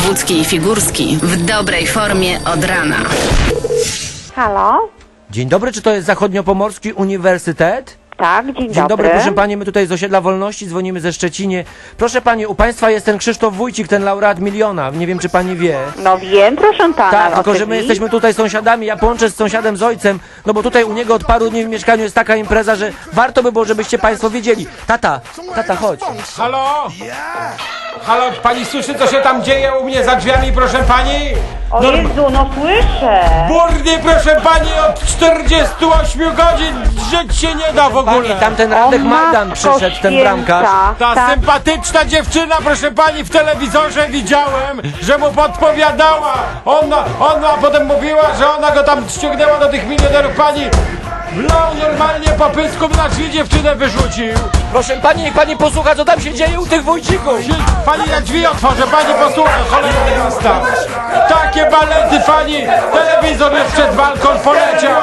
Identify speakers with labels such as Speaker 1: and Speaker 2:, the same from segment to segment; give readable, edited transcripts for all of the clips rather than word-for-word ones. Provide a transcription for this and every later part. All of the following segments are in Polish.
Speaker 1: Wojewódzki i Figurski w dobrej formie od rana.
Speaker 2: Halo?
Speaker 3: Dzień dobry, czy to jest Zachodniopomorski Uniwersytet?
Speaker 2: Tak, dzień
Speaker 3: Dzień dobry, proszę
Speaker 2: dobry.
Speaker 3: pani, my tutaj z Osiedla Wolności dzwonimy ze Szczecinie. Proszę pani, u państwa jest ten Krzysztof Wójcik, ten laureat miliona, nie wiem czy pani wie.
Speaker 2: No wiem, proszę pana.
Speaker 3: Tak, tylko że my
Speaker 2: oczywiście.
Speaker 3: jesteśmy tutaj sąsiadami, ja połączę z sąsiadem z ojcem, no bo tutaj u niego od paru dni w mieszkaniu jest taka impreza, że warto by było, żebyście państwo wiedzieli. Tata, chodź.
Speaker 4: Halo? Halo, pani słyszy, co się tam dzieje u mnie za drzwiami, proszę pani?
Speaker 2: O Jezu, no słyszę.
Speaker 4: Burdy, proszę pani, od 48 godzin żyć się nie da w
Speaker 3: Pani,
Speaker 4: ogóle.
Speaker 3: tamten Radek
Speaker 2: O,
Speaker 3: Majdan
Speaker 2: Matko
Speaker 3: przyszedł, ten
Speaker 2: Święta.
Speaker 3: bramkarz.
Speaker 4: Ta
Speaker 2: Tak.
Speaker 4: sympatyczna dziewczyna, proszę pani, w telewizorze widziałem, że mu podpowiadała. Ona potem mówiła, że ona go tam ściągnęła do tych milionerów. Pani wlał normalnie po pysku, na drzwi dziewczynę wyrzucił.
Speaker 3: Proszę pani, niech pani posłucha, co tam się dzieje u tych Wójcików.
Speaker 4: Pani na drzwi otworzę, pani posłucha, cholera jasna. Takie balety, pani, telewizor już przed walką poleciał.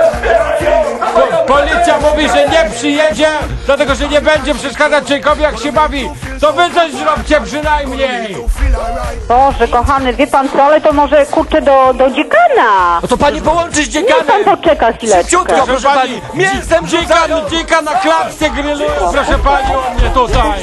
Speaker 4: Policja mówi, że nie przyjedzie, dlatego że nie będzie przeszkadzać człowiekowi, jak się bawi. To wy coś zróbcie przynajmniej.
Speaker 2: Boże, kochany, wie pan co, ale to może kurczę do dziekana.
Speaker 3: No to pani połączy z
Speaker 2: Niech pan
Speaker 3: dziekanem.
Speaker 2: poczeka chwileczkę.
Speaker 3: Szybciutko, proszę pani. Mięsem
Speaker 4: dzika na klatce grilluje, proszę pani, u mnie tutaj.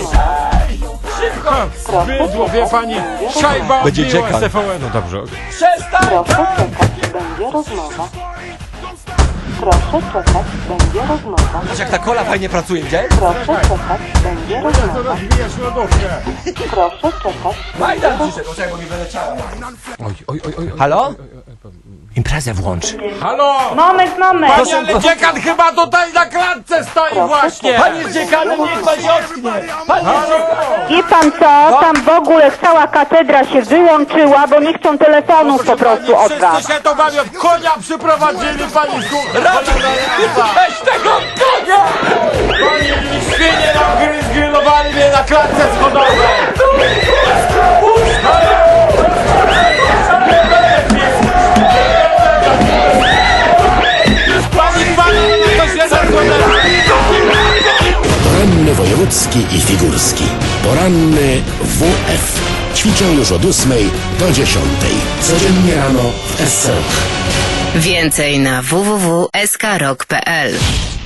Speaker 4: Bydło, wie pani, szajba odbiła z TVN. No dobrze.
Speaker 3: Przestań!
Speaker 5: Proszę czekać, będzie rozmowa. Proszę czekać, będzie rozmowa.
Speaker 3: Patrz jak ta kola fajnie pracuje, gdzie?
Speaker 5: Proszę czekać, będzie rozmowa.
Speaker 4: Rozbijasz lodówkę.
Speaker 5: Proszę czekać.
Speaker 3: Majdan przyszedł, o czego mi wyleciało.
Speaker 4: Oj.
Speaker 3: Halo? Imprezę włącz.
Speaker 4: Halo!
Speaker 2: Moment.
Speaker 4: Panie, ale dziekan chyba tutaj na klatce stoi właśnie!
Speaker 3: Pani z dziekanem, niech pani ocknie. Pani z dziekanem.
Speaker 2: Wie pan co, tam w ogóle cała katedra się wyłączyła, bo nie chcą telefonów po prostu od was.
Speaker 4: Wszyscy się to bawią, konia przyprowadzili, pani słucha!
Speaker 3: Weź tego konia!
Speaker 4: Pani świnie nam zgrillowali mnie na klatce schodowej! Pani, to się zakłada!
Speaker 6: Poranny wojewódzki i figurski. Poranny WF. Ćwiczą już od 8 do 10. Codziennie rano w SC Rock.
Speaker 1: Więcej na www.skrok.pl.